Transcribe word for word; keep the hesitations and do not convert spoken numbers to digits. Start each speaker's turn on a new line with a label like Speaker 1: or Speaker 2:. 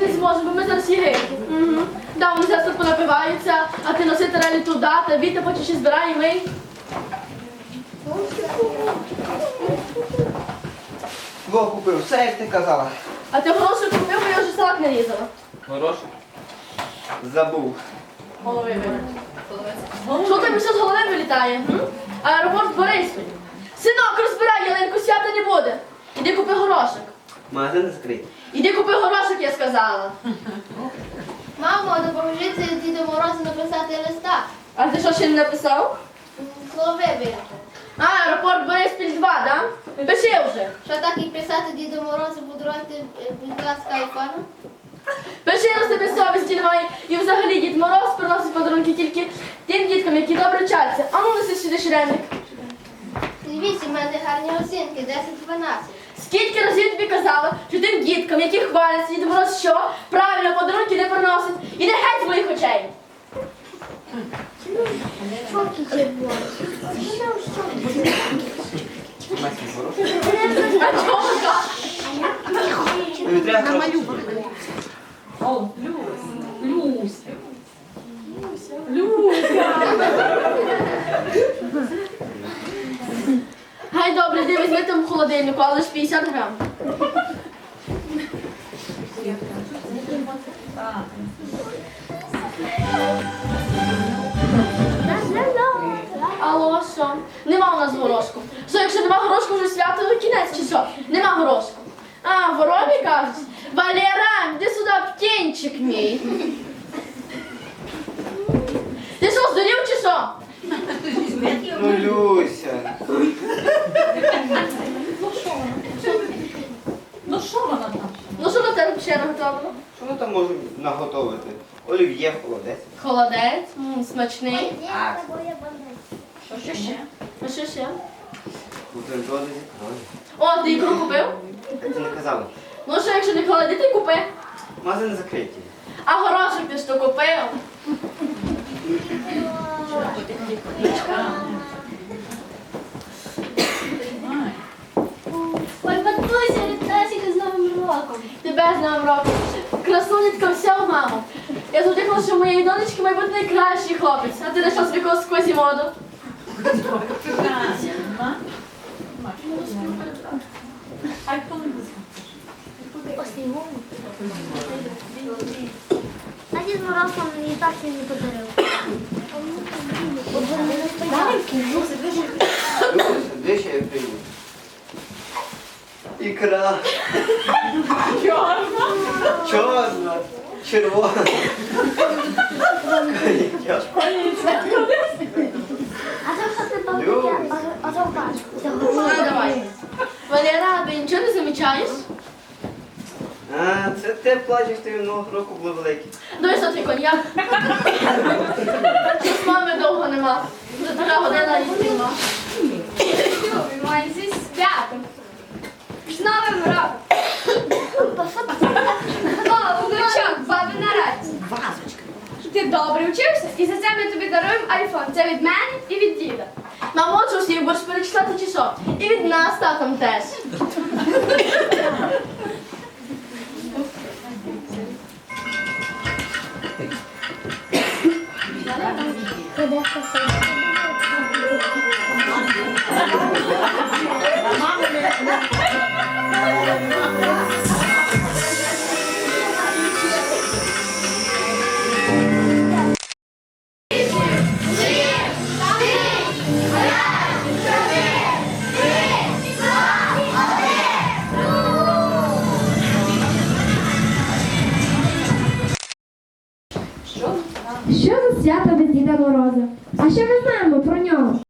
Speaker 1: не зможемо, бо ми зараз єгипті. Угу. Да, вони зараз тут понапиваються, а ти носи тарелі туди, та Віта потім ще збирає, ми.
Speaker 2: Во купив, все як ти казала.
Speaker 1: А ти горошок купив, бо я вже салат не різала.
Speaker 3: Горошок?
Speaker 2: Забув.
Speaker 1: Голови вилітає. Що тобі все з голови вилітає? м? Аеропорт Бориспіль. Синок, розбирай, ялинку, свята не буде. Іди купи горошок.
Speaker 2: Магазин закритий.
Speaker 1: Іди купи горошок, я сказала.
Speaker 4: Мамо, допоможіть Діду Морозу написати листа.
Speaker 1: А ти що ще не написав?
Speaker 4: Голови вилетіли.
Speaker 1: А, аеропорт Бориспіль два, да? Пиши вже.
Speaker 4: Що так і писати Діду Морозу подарувати, будь ласка, айфону?
Speaker 1: Пиши, раз тебе совісті немає. І взагалі Дід Мороз приносить подарунки тільки тим діткам, які добре вчаться. А ну неси сюди ширеник.
Speaker 4: Дивіться, в мене гарні оцінки, десять-дванадцять.
Speaker 1: Скільки разів тобі казала, що тим діткам, які хваляться, Дід Мороз що? Правильно, подарунки не приносить. Іди геть з моїх очей. А чого так?
Speaker 2: Тобі треба гроші.
Speaker 5: О, Люсь, Люсь.
Speaker 1: Гай, добре, йди візьми там в холодильнику, але ж п'ятдесят грам. Алло, що? Нема у нас горошку. Що, якщо нема горошку, вже свято, то кінець чи що? Нема горошку. А, воробі кажуть? Валера, іди сюди, птенчик мій. Ти що, здурів чи що?
Speaker 2: Ну, Люся.
Speaker 5: Ну що вона там?
Speaker 1: Ну що на тебе ще наготовлено?
Speaker 2: Що ми там можемо наготовити? Олів'є, холодець.
Speaker 1: Холодець, м, смачний.
Speaker 2: А,
Speaker 5: Що ще?
Speaker 1: А що ще?
Speaker 2: бутерброди зі ікрою.
Speaker 1: О, ти ікру купив?
Speaker 2: Ти не казала.
Speaker 1: Ну що, якщо не холодець, ти купи.
Speaker 2: Магазин закритий.
Speaker 1: А горошок ти що купив?
Speaker 4: Ой, бабуся, вітаю з Новим роком.
Speaker 1: Тебе з Новим роком. Красунечка вся в маму. Я завжди казала, що у моєї донечки має бути найкращий хлопець. А ти знайшов собі когось сквозі моду.
Speaker 5: Айфон
Speaker 4: А Дід Мороз вам мені так і не подарив.
Speaker 2: Люся, де ще я прийду? Ікра.
Speaker 5: Чорна.
Speaker 2: Чорна. Червона.
Speaker 4: А це що ти
Speaker 2: Люсь.
Speaker 4: пам'ятаєш? А то бачу.
Speaker 1: Ну, давай. Валера, ти нічого не замічаєш?
Speaker 2: А, це ти плачеш, ти минулого року були великі.
Speaker 1: Давай сотри коньяк. Щось мами довго нема. Вже така година їсти нема.
Speaker 4: Май зі святом. З Новим роком. О, внучок, баби на раді. Ти добре вчився, і за це ми тобі даруємо айфон. Це від мене і від діда.
Speaker 1: Мамо, що всіх будеш перечитати чи що? І від нас татом теж.
Speaker 6: Що за свято без Діда Мороза? А що ми знаємо про нього?